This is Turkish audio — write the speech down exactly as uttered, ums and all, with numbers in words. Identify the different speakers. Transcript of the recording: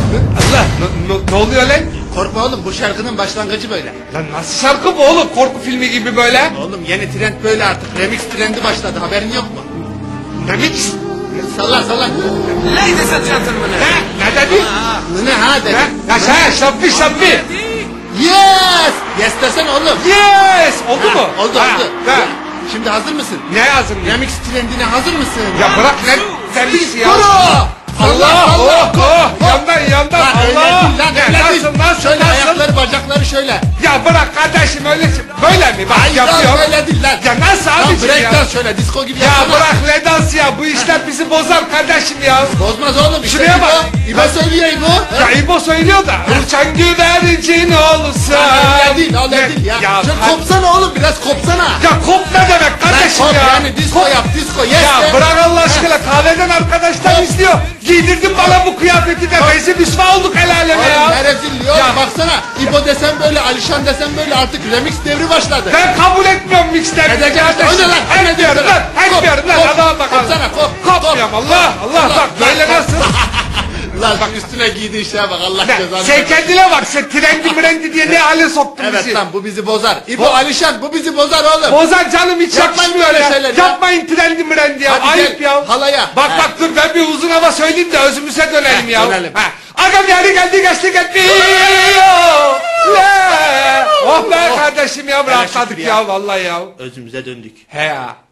Speaker 1: Allah ne, ne, ne oluyor lan?
Speaker 2: Korkma oğlum, bu şarkının başlangıcı böyle.
Speaker 1: Lan nasıl şarkı bu oğlum? Korku filmi gibi böyle.
Speaker 2: Oğlum yeni trend böyle artık. Remix trendi başladı, haberin yok mu?
Speaker 1: Remix.
Speaker 2: Salla salla.
Speaker 3: Ladies and gentlemen.
Speaker 1: Ne? Ne dedi?
Speaker 2: Ne ha dedi.
Speaker 1: Ne? Ya şey şappi şappi.
Speaker 2: Yes! Yes desene oğlum.
Speaker 1: Yes! Oldu
Speaker 2: Ha,
Speaker 1: mu?
Speaker 2: Oldu
Speaker 1: Ha,
Speaker 2: oldu.
Speaker 1: ha.
Speaker 2: Şimdi hazır mısın?
Speaker 1: Ne yazın?
Speaker 2: Remix trendine hazır mısın?
Speaker 1: Ya bırak lan remix ya.
Speaker 2: Kuru!
Speaker 1: Allah Allah oh, oh, yandan yandan
Speaker 2: Lan öyle
Speaker 1: Allah.
Speaker 2: değil lan,
Speaker 1: Ne,
Speaker 2: öyle
Speaker 1: nasıl
Speaker 2: değil.
Speaker 1: nasıl
Speaker 2: Şöyle
Speaker 1: nasıl?
Speaker 2: ayakları bacakları şöyle.
Speaker 1: Ya bırak kardeşim öyle böyle mi? Bak
Speaker 2: Hayır lan
Speaker 1: yapıyor.
Speaker 2: böyle değil lan.
Speaker 1: Ya nasıl
Speaker 2: Lan
Speaker 1: abicim
Speaker 2: break
Speaker 1: ya?
Speaker 2: dance şöyle disco gibi
Speaker 1: Ya
Speaker 2: yapsana.
Speaker 1: bırak ne dans ya bu işler bizi bozar kardeşim ya.
Speaker 2: Bozmaz oğlum. İşte
Speaker 1: Şuraya
Speaker 2: İbo.
Speaker 1: bak.
Speaker 2: İbo söylüyor İbo.
Speaker 1: Ya İbo söylüyor da uçan güvercin olsa.
Speaker 2: Öyle değil öyle
Speaker 1: Ne-
Speaker 2: değil ya.
Speaker 1: Ya,
Speaker 2: Şöyle
Speaker 1: kop,
Speaker 2: kopsana oğlum, biraz kopsana.
Speaker 1: ya kop ne demek kardeşim
Speaker 2: Kop
Speaker 1: ya?
Speaker 2: yani disco yap disco yes
Speaker 1: Ya
Speaker 2: de.
Speaker 1: bırak Allah aşkına kahveden arkadaşlar
Speaker 2: Kop.
Speaker 1: izliyor. Giydirdin bana bu kıyafeti de rezil rüsva olduk el aleme
Speaker 2: Oğlum
Speaker 1: ya.
Speaker 2: ne rezilliği oğlum,
Speaker 1: Ya.
Speaker 2: baksana. İbo desem böyle, Alişan desem böyle, artık remix devri başladı.
Speaker 1: Ben kabul etmiyorum mixleri.
Speaker 2: Edeceksin işte, o ne lan?
Speaker 1: Etmiyorum lan. Etmiyorum lan.
Speaker 2: Kop,
Speaker 1: Adama bakalım.
Speaker 2: kopsana, kop,
Speaker 1: Kopmuyorum
Speaker 2: kop,
Speaker 1: Allah
Speaker 2: kop,
Speaker 1: Allah
Speaker 2: Allah.
Speaker 1: bak böyle nasıl?
Speaker 2: Lan bak üstüne giydiğin şeye bak, Allah
Speaker 1: Ne?
Speaker 2: cezanı
Speaker 1: Sen
Speaker 2: versin.
Speaker 1: kendine bak sen trendi mrendi diye ne hale soktun
Speaker 2: Evet
Speaker 1: bizi.
Speaker 2: lan, bu bizi bozar. İbo,
Speaker 1: Bo-
Speaker 2: Alişan, bu bizi bozar oğlum.
Speaker 1: Bozar canım hiç
Speaker 2: Yapmayın
Speaker 1: yakışmıyor
Speaker 2: böyle
Speaker 1: ya.
Speaker 2: şeyler ya.
Speaker 1: Yapmayın trendi mrendi ya.
Speaker 2: Hadi
Speaker 1: Ayıp
Speaker 2: gel,
Speaker 1: ya.
Speaker 2: halaya.
Speaker 1: Bak
Speaker 2: He.
Speaker 1: bak dur ben bir uzun hava söyleyeyim de özümüze dönelim
Speaker 2: He,
Speaker 1: ya.
Speaker 2: dönelim.
Speaker 1: Ha. Agam yani geldi geçti gitti. Oh be kardeşim ya rahatladık
Speaker 2: şükür
Speaker 1: ya
Speaker 2: ya.
Speaker 1: vallahi ya.
Speaker 2: Özümüze döndük.
Speaker 1: He ya.